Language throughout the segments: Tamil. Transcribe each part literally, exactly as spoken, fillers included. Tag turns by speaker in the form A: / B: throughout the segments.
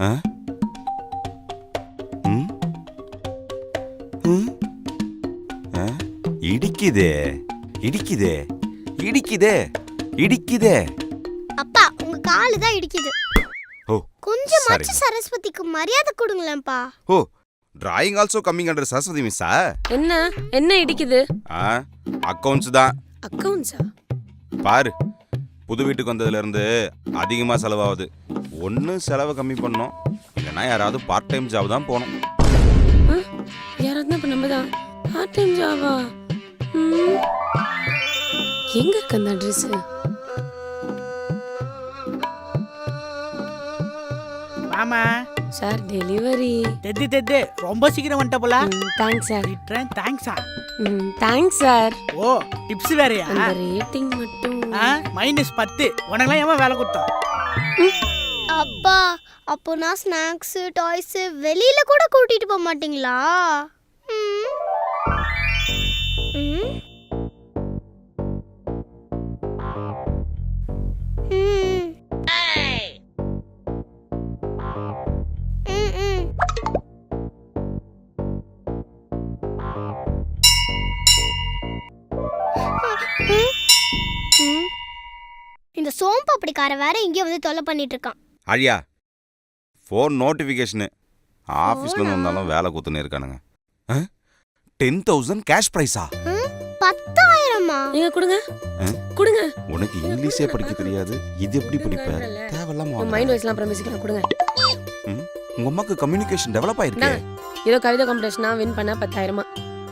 A: இடிக்குதே இடிக்குதே இடிக்குதே இடிக்குதே.
B: அப்பா உங்க காலு தான் இடிக்குது.
A: ஓ
B: கொஞ்சமாச்சு சரஸ்வதிக்கு மரியாதை கொடுங்களேன்ப்பா.
A: Oh drawing also coming under Saraswati மிஸ்ஸா?
C: என்ன என்ன இடிக்குது?
A: ஆ அக்கவுண்ட்ஸ் தான்.
C: அக்கவுண்ட்ஸா?
A: பாரு புது வீட்டுக்கு வந்ததுல இருந்து அதிகமா செலவாகுது. ஒன்னு செலவை கம்மி பண்ணோம், இல்லைன்னா யாராவது பார்ட் டைம் ஜாப் தான் போகணும்.
C: யாராவது இப்ப நம்ம தான் பார்ட் டைம் ஜாபா? எங்க இருக்கு அந்த அட்ரஸ்?
D: மாமா
C: சார் டெலிவரி.
D: தெத்தி தெத்தி ரொம்ப சீக்கிரம் வந்துட்ட போல.
C: Thanks sir.
D: ரிட்டர்ன் தேங்க்ஸா?
C: ம் தேங்க்ஸ் சார்.
D: ஓ டிப்ஸ் வேறயா?
C: அந்த ரேட்டிங் மட்டும்
D: மைனஸ் பத்து. உனக்குலாம் ஏமா வேலை கொடுத்தோம்?
B: அப்பா அப்போ நான் ஸ்நாக்ஸ் டாய்ஸ் வெளியில கூட கூட்டிட்டு போக மாட்டீங்களா? ம் ம் இந்த சோம்பு அப்படிக்கார வேற இங்கே வந்து தொல்லை பண்ணிட்டு இருக்கான்.
A: அழியா ஃபோன் நோட்டிஃபிகேஷனு ஆஃபீஸ்ல வந்தாலும் வேலை கூத்துன்னு இருக்கானுங்க. டென் தௌசண்ட் கேஷ் ப்ரைஸா?
B: பத்தாயிரமா?
C: நீங்க கொடுங்க கொடுங்க.
A: உனக்கு இங்கிலீஷே படிக்க தெரியாது, இது எப்படி படிப்ப? தேவையில்லாம
C: மைண்ட் வாய்ஸ்லாம் அப்புறம் பேசிக்கலாம். கொடுங்க.
A: உங்க அம்மாக்கு கம்யூனிகேஷன் டெவலப் ஆயிருக்கு.
C: ஏதோ கவிதை காம்படிஷனா வின் பண்ண பத்தாயிரமா?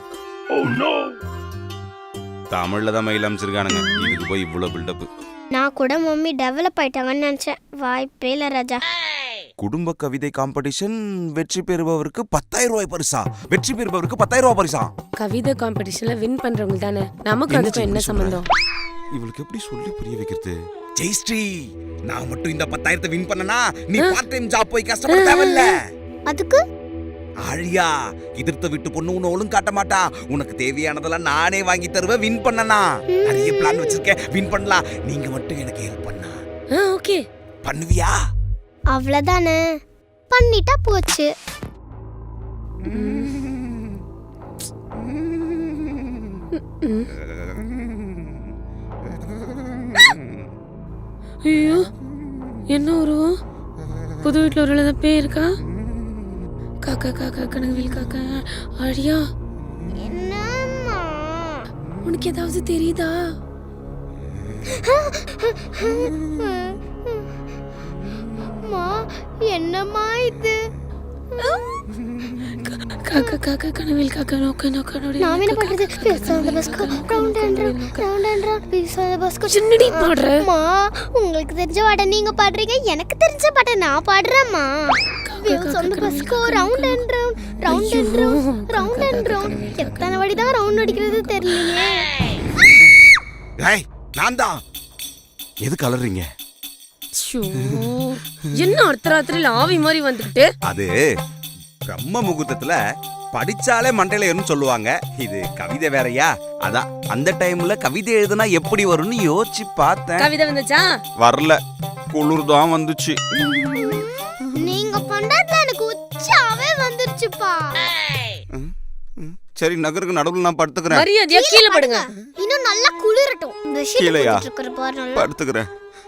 A: தமிழ்ல தான் மெயில் அமைச்சிருக்கானுங்க, இதுக்கு போய் இவ்வளவு பில்டப்.
B: நான் கூட மம்மி டெவலப் ஆயிட்டாங்கன்னு நினைச்சேன். வாய்ப்பே இல்ல ராஜா.
A: குடும்ப கவிதை காம்படிஷன் வெற்றி பெறுபவருக்கு பத்தாயிரம் ரூபாய் பரிசா. வெற்றி பெறுபவருக்கு பத்தாயிரம் ரூபாய் பரிசா.
C: கவிதை காம்படிஷன்ல வின் பண்றவங்க தானே. நமக்கு அதுக்கு என்ன சம்பந்தம்?
A: இவளுக்கு எப்படி சொல்லி புரிய வைக்கிறது? ஜெயஸ்ரீ நான் மட்டும் இந்த பத்தாயிரத்தை வின் பண்ணனா நீ பார்ட் டைம் ஜாப் போய் கஷ்டப்பட தேவையில்ல.
B: அதுக்கு
A: ஆழியா எதிர்த்த விட்டு பொண்ணு உன்னை ஒழுங்கு காட்ட மாட்டா. உனக்கு தேவையானதெல்லாம் நானே வாங்கி தருவேன். வின் பண்ணனா நிறைய பிளான் வச்சிருக்கேன், வின் பண்ணலாம். நீங்க மட்டும் எனக்கு ஹெல்ப் பண்ணா
C: ஓகே
A: பண்ணுவியா?
B: அவ்வளவுதானே, பண்ணிட்டா போச்சு.
C: ஐயோ என்ன உருவம்? புது வீட்டுல ஒரு எழுத பேர் இருக்கா? காக்கா காக்கா கனவில் காக்கா. அழியா
B: என்னம்மா
C: உனக்கு ஏதாவது தெரியுதா?
B: அம்மா என்னம்மா இது?
C: காக்கா காக்கா கனவில் காக்கா நோக்க நோக்க நோடி.
B: நான் என்ன பண்றது? பேசாத பஸ்கோ round and round round and round பேசாத பஸ்கோ.
C: சின்னடி பாடுற.
B: அம்மா உங்களுக்கு தெரிஞ்ச பாட நீங்க பாடுறீங்க, எனக்கு தெரிஞ்ச பாட நான் பாடுறேம்மா. பேசாத பஸ்கோ round and round round and round round and round. எத்தனை வாட்டி தான் ரவுண்ட் அடிக்கிறது தெரியலையே.
A: ஏய் நான் தான். எது கலறீங்க?
C: என்ன அர்த்தராத்திரில ஆவி மாதிரி வந்துட்டு?
A: அது பிரம்ம முகூர்த்தத்துல படிச்சாலே மண்டையில ஏறும்னு சொல்லுவாங்க. இது கவிதை வேறயா, அதான் அந்த டைம்ல கவிதை எழுதுனா எப்படி வரும்னு யோசிச்சு பார்த்தேன்.
C: கவிதை வந்துச்சா?
A: வரல, குளிர் தான் வந்துச்சு.
B: நீங்க பண்றதுல எனக்கு உச்சாவே வந்துருச்சுப்பா.
A: சரி நகருக்கு நடுவுல நான் படுத்துக்கிறேன்.
C: மரியாதையா கீழே படுங்க.
B: இன்னும் நல்லா குளிரட்டும்.
A: கீழயா? படுத்துக்கிறேன்.